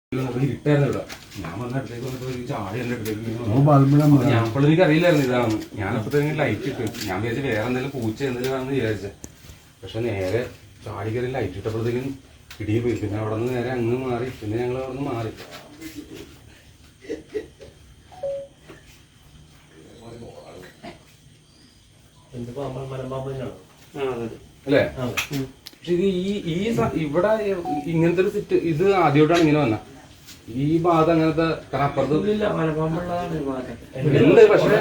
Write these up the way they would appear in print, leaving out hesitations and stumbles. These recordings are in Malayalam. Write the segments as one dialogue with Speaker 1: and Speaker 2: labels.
Speaker 1: ഇരുട്ടായിരുന്നു ഇവിടെ. ഞാൻ വന്ന അടുത്തേക്ക് വന്നപ്പോ ഒരു ചാടി എന്റെ അടുത്തേക്ക് ഞാൻ അപ്പോൾ എനിക്ക് അറിയില്ലായിരുന്നു ഇതാണെന്ന്. ഞാനപ്പോഴത്തേക്കും ലൈറ്റ് ഇട്ട് ഞാൻ വിചാരിച്ചു വേറെ എന്തെങ്കിലും പൂച്ച എന്തെങ്കിലും ആണെന്ന് വിചാരിച്ചത്. പക്ഷെ നേരെ ചാടി കയറി ലൈറ്റ് ഇട്ടപ്പോഴത്തേക്കും ഇടിയും പോയി. പിന്നെ അവിടെ നിന്ന് നേരെ അങ്ങ് മാറി. പിന്നെ ഞങ്ങൾ അവിടെ നിന്ന് മാറി. അല്ലേ? പക്ഷെ ഇത് ഇവിടെ ഇങ്ങനത്തെ ഒരു സിറ്റ് ഇത് ആദ്യമായിട്ടാണ് ഇങ്ങനെ വന്ന ഈ ഭാഗത്ത് അങ്ങനത്തെ അപ്പുറത്ത് ഉണ്ട്. പക്ഷെ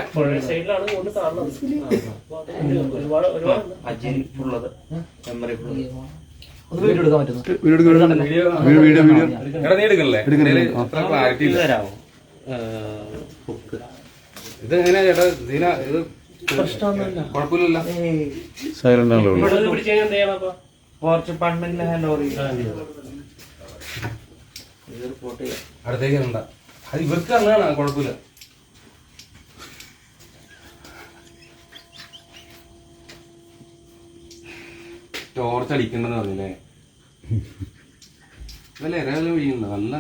Speaker 1: നീ എടുക്കണല്ലേ? അത്ര ക്ലാരിറ്റി ഇല്ല. ഇതെങ്ങനെയാ ചേട്ടാ? ഇത് കുഴപ്പമില്ലല്ലോ.
Speaker 2: സൈലന്റ് ആണല്ലോ.
Speaker 1: അടുത്തേക്ക് ഇറണ്ട. അത് ഇവർക്ക് അങ്ങനെയാണ്, കുഴപ്പമില്ല. ടോർച്ച് അടിക്കണ്ടെന്ന് പറഞ്ഞില്ലേ? അതല്ല ഇരയെല്ലാം വീഴുന്നുണ്ട്. നല്ല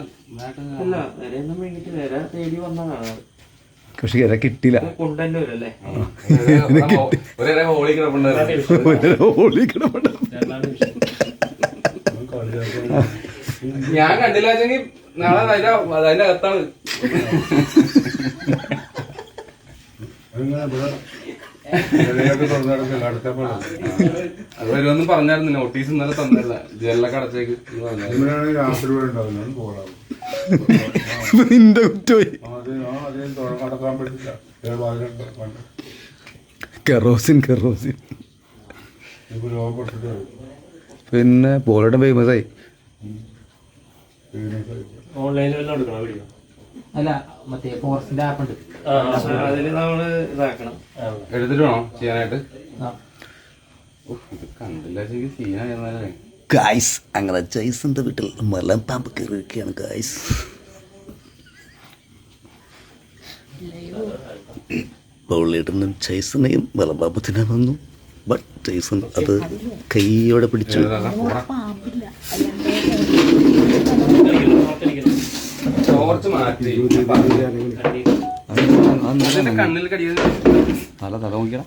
Speaker 2: പക്ഷെ ഇര കിട്ടില്ല.
Speaker 1: ഒരേ ഹോളി കിടപ്പുണ്ട്. ഞാൻ കണ്ടില്ല വെച്ചെങ്കിൽ നാളെ അതിന്റെ അകത്താണ്. അത് വരുമെന്നും പറഞ്ഞായിരുന്നു. നോട്ടീസ് ഇന്നലെ തന്നല്ല. ജനലൊക്കെ അടച്ചേക്ക്
Speaker 2: നിന്റെ കുറ്റമായി. കെറോസിൻ പിന്നെ പോളിയുടെ ഫേമസായി.
Speaker 3: അല്ല മറ്റേ ഫോറസ്റ്റിന്റെ ആപ്പ് ഉണ്ട്,
Speaker 4: അതില് നമ്മള് ഇതാക്കണം.
Speaker 1: എടുത്തിട്ട് വേണോ ചെയ്യാനായിട്ട്? കണ്ടില്ല സീനായിരുന്നല്ലേ
Speaker 2: ഗായ്സ്. അങ്ങനെ ജയ്സന്റെ വീട്ടിൽ മലമ്പാമ്പ് കയറിയൊക്കെയാണ് ഗായ്സ്. ബൗളിയിടുന്നും ജയ്സനെയും മലമ്പാമ്പ് തിന്നാൻ വന്നു. ബട്ട് ജയ്സൺ അത് കൈയോടെ പിടിച്ചു. നല്ല തല നോക്കിയടാ.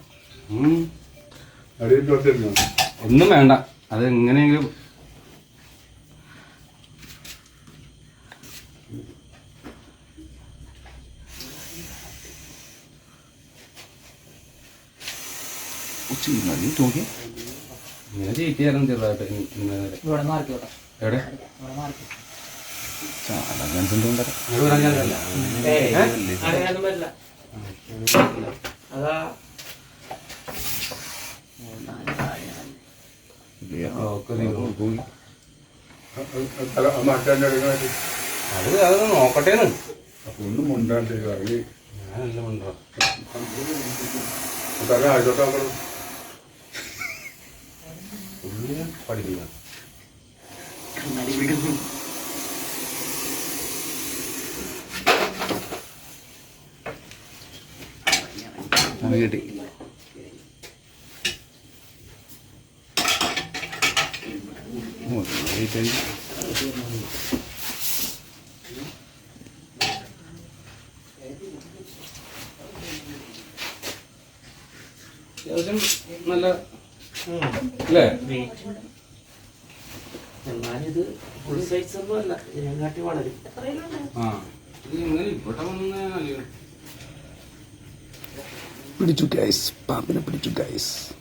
Speaker 1: ഒന്നും വേണ്ട. അത് എങ്ങനെയെങ്കിലും ഇങ്ങനെ ചെയ്യിക്കായിരുന്നു ചെറുതായിട്ട്. എവിടെ അത് നോക്കട്ടേന്ന്.
Speaker 5: ഒന്നും മുണ്ടാണ്ട്
Speaker 1: ഞാനല്ല മുണ്ടോ പഠിപ്പിക്കാം.
Speaker 2: കിട്ടി.
Speaker 1: അത്യാവശ്യം നല്ല അല്ലേ?
Speaker 4: എന്നാലിത് ഫുൾ സൈസ് ഒന്നും അല്ല, ഇതിനെക്കാട്ടി വളരും.
Speaker 1: ഇത് ഇങ്ങനെ ഇവിടെ വന്ന
Speaker 2: പിടിച്ചു ഗൈസ്, പാമ്പിനെ പിടിച്ചു ഗൈസ്.